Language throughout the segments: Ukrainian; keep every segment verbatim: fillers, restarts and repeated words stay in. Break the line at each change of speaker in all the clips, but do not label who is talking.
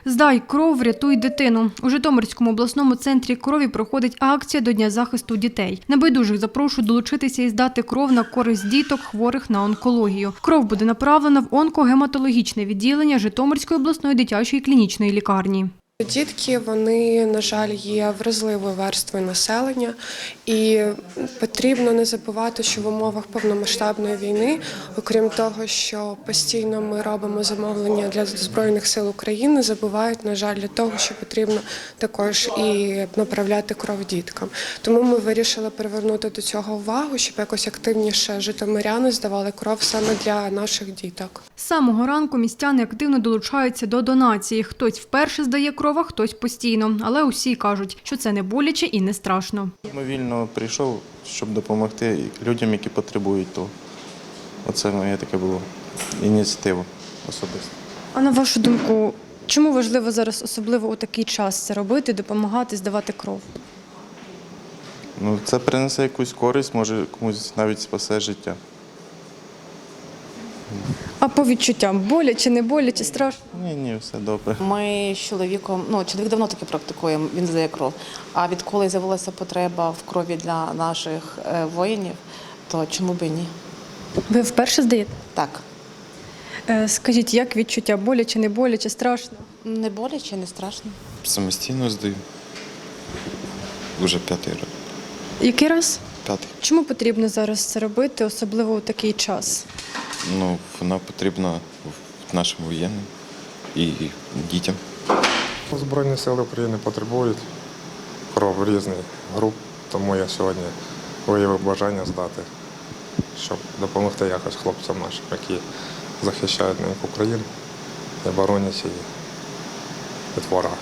Здай кров, врятуй дитину. У Житомирському обласному центрі крові проходить акція до Дня захисту дітей. Небайдужих запрошують долучитися і здати кров на користь діток, хворих на онкологію. Кров буде направлена в онкогематологічне відділення Житомирської обласної дитячої клінічної лікарні.
Дітки, вони, на жаль, є вразливою верствою населення, і потрібно не забувати, що в умовах повномасштабної війни, окрім того, що постійно ми робимо замовлення для Збройних сил України, забувають, на жаль, для того, що потрібно також і направляти кров діткам. Тому ми вирішили привернути до цього увагу, щоб якось активніше житомиряни здавали кров саме для наших діток.
З самого ранку містяни активно долучаються до донації. Хтось вперше здає кров, а хтось постійно. Але усі кажуть, що це не боляче і не страшно.
Мобільно прийшов, щоб допомогти людям, які потребують того. Оце моя таке було ініціатива особисто.
А на вашу думку, чому важливо зараз особливо у такий час це робити, допомагати, здавати кров?
Ну, це принесе якусь користь, може комусь навіть спасе життя.
А по відчуттям, боляче, не боляче, страшно?
Ні, ні, все добре.
Ми з чоловіком, ну, чоловік давно таки практикує, він здає кров. А відколи з'явилася потреба в крові для наших воїнів, то чому б і ні?
Ви вперше здаєте?
Так.
Скажіть, як відчуття, боляче, не боляче, страшно?
Не боляче, не страшно.
Самостійно здаю. Уже п'ятий раз.
Який раз?
П'ятий.
Чому потрібно зараз це робити, особливо у такий час?
Ну, вона потрібна нашим воєнним і дітям.
Збройні сили України потребують кров різних груп, тому я сьогодні виявив бажання здати, щоб допомогти якось хлопцям нашим, які захищають неньку Україну і боронять її від ворога.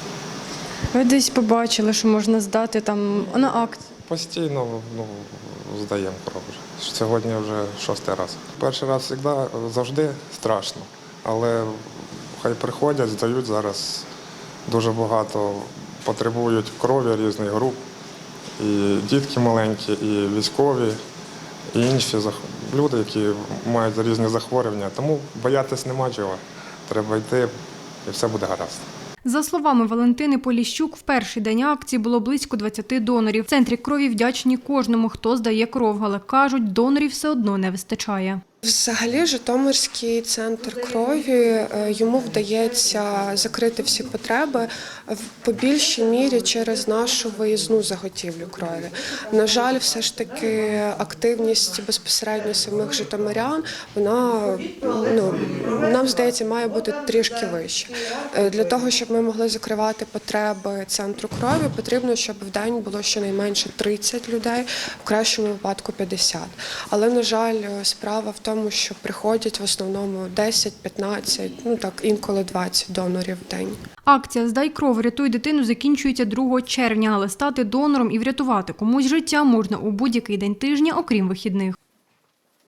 Ви десь побачили, що можна здати там на акції?
Постійно ну, здаємо кров. Сьогодні вже шостий раз. Перший раз завжди, завжди страшно, але хай приходять, здають зараз. Дуже багато потребують крові різних груп. І дітки маленькі, і військові, і інші люди, які мають різні захворювання. Тому боятись нема чого. Треба йти, і все буде гаразд.
За словами Валентини Поліщук, в перший день акції було близько двадцяти донорів. В центрі крові вдячні кожному, хто здає кров, але кажуть, донорів все одно не вистачає.
Взагалі, Житомирський центр крові, йому вдається закрити всі потреби по більшій мірі через нашу виїзну заготівлю крові. На жаль, все ж таки активність безпосередньо самих житомирян, вона, ну, нам здається, має бути трішки вища. Для того, щоб ми могли закривати потреби центру крові, потрібно, щоб в день було щонайменше тридцять людей, в кращому випадку п'ятдесят. Але, на жаль, справа в тому, тому що приходять в основному десять-п'ятнадцять, ну так, інколи двадцять донорів в день.
Акція «Здай кров, врятуй дитину» закінчується другого червня, але стати донором і врятувати комусь життя можна у будь-який день тижня, окрім вихідних.